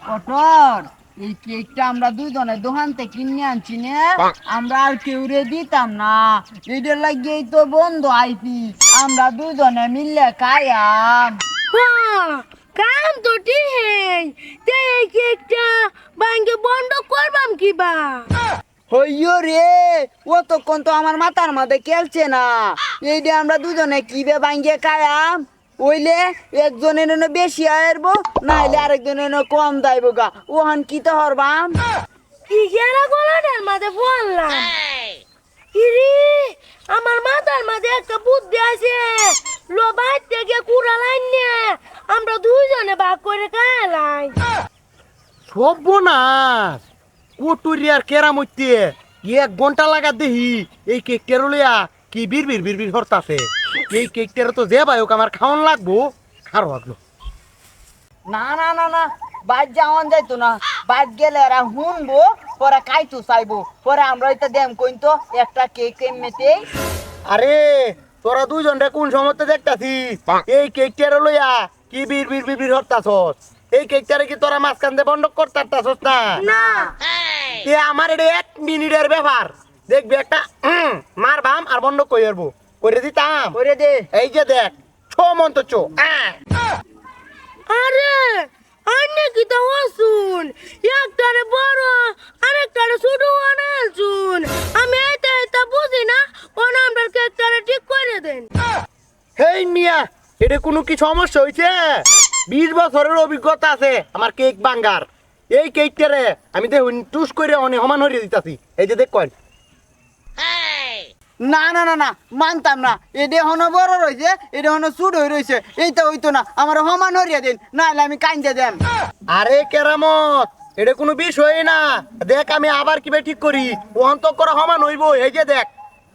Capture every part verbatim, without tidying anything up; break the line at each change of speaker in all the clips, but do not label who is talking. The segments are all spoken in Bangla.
পটর এই কেকটা আমরা দুইজনে দোকান থেকে কিনে আনছি না, আমরা আর কেউ রে দিতাম না। এটার লাগিয়েই তো বন্ধু আইছি, আমরা দুইজনে মিললে খাইয়াম।
হ্যাঁ, কাম তো ঠিক। তে এই কেকটা ভাঙ্গে বন্ধ করবাম কিবা?
হইয়ো রে, অতক্ষণ তো আমার মাথার মধ্যে খেলছে না। এইটা আমরা দুজনে কিবে ভাঙ্গে খাইয়াম, ওইলে একজনের এনে বেশি আইরবো, নাইলে আরেকজনের এনে কম দাইবো গা। ওহান কি তো হরবাম?
কি গেরা গলাটার মাঝে বললাম। ইরি, আমার মাথার মাঝে একটা বুদ্ধি আছে। লো বাইর থেকে কুড়া লাইন নিয়ে আমরা দুইজনে ভাগ করে খাইলাই।
সর্বনাশ, কুটুরিয়ার কেরামইতে এক ঘন্টা লাগা দেহি এই কেকটার লইয়া কি বির বির বির বির হরতাছে। এই কেকটার তো যে ভাই হোক আমার খাওয়ান লাগবো, খারো লাগলো।
না না না না, বাইর যাওয়ান যাইতো না। বাইর গেলে এরা শুনবো, পরে খাইতো চাইবো, পরে আমরা এটা দেম কইন তো একটা কেক এমনিতেই।
আরে তোরা দুইজন রে কোন সময়তে দেখতাছি এই কেকটার লইয়া কি বির বির বির বির হরতাছস। এই কেকটারে কি তোরা মাঝখান দিয়ে বন্ধ করতাছস না?
না,
এ আমার এটা এক মিনিটের ব্যাপার। দেখবি একটা উম, মার বাম আর বন্ধ কই আসবো, করে দিতাম।
করে দে।
এই যে দেখ, ছো মন্ত চো।
আরে আন্নে কি তো হসুন, একটারে বড় আরেকটারে ছোট বানাইছুন। আমি এটা এটা বুঝি না, কোন আমরা কেকটারে ঠিক করে দেন।
হেই মিয়া, এটা কোনো কি সমস্যা হয়েছে? বিশ বছরের অভিজ্ঞতা আছে আমার কেক বাঙ্গার। এই কেকটারে আমি দেখুন টুস করে অনেক সমান হরিয়ে দিতাছি। এই যে দেখ কয়েন।
না না না না, মানতাম না। এটা হনো বড় রয়েছে, এটা হনো চুট হয়ে রয়েছে। এইটা হইতো না, আমার সমান হরিয়া দিন, নাহলে আমি কাইন্দে দেন।
আরে কেরামত, এটা কোনো বিষয় না। দেখ আমি আবার কিভাবে ঠিক করি, ওহন তো করা সমান হইব। এই যে দেখ,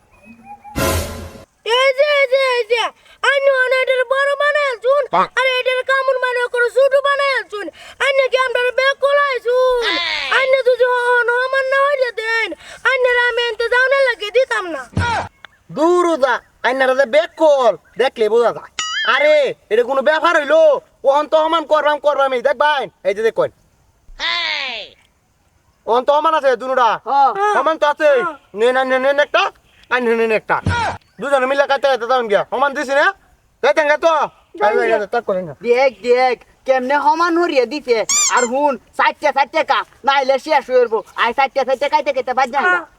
এই যে এই যে এই যে আন্নে অনে এটার বড় বানাইছুন, আর এটার কামড় মানে করে ছোট বানাইছুন। আন্নে কি আমরা বেক কলাইছুন? আন্নে যদি হন আমার না হইলে দেন, আন্নের আমি এনতে যাওনা লাগে দিতাম না।
দূর যা, আইনারা যে বেক কল দেখলে বোঝা যায়। আরে এটা কোনো ব্যাপার হইলো? ওহন তো সমান করবাম করবাম। এই দেখ ভাই, এই যে দেখ কয়েন। ওহন তো সমান আছে দুনুরা,
হ্যাঁ।
সমান তো আছে। নে না নে নেন একটা, আই নে নেন একটা, দুজনে মিলে কাটতে কাটতে যাবেন গিয়া। সমান দিছি না? যাইতেন গা তো তাক করেন না।
দেখ দেখ কেমনে সমান হরিয়া দিছে। আর হুন চারটে চারটে কা, নাইলে শেষ হয়ে যাবো। আই চারটে চারটে খাইতে খাইতে বাদ যান।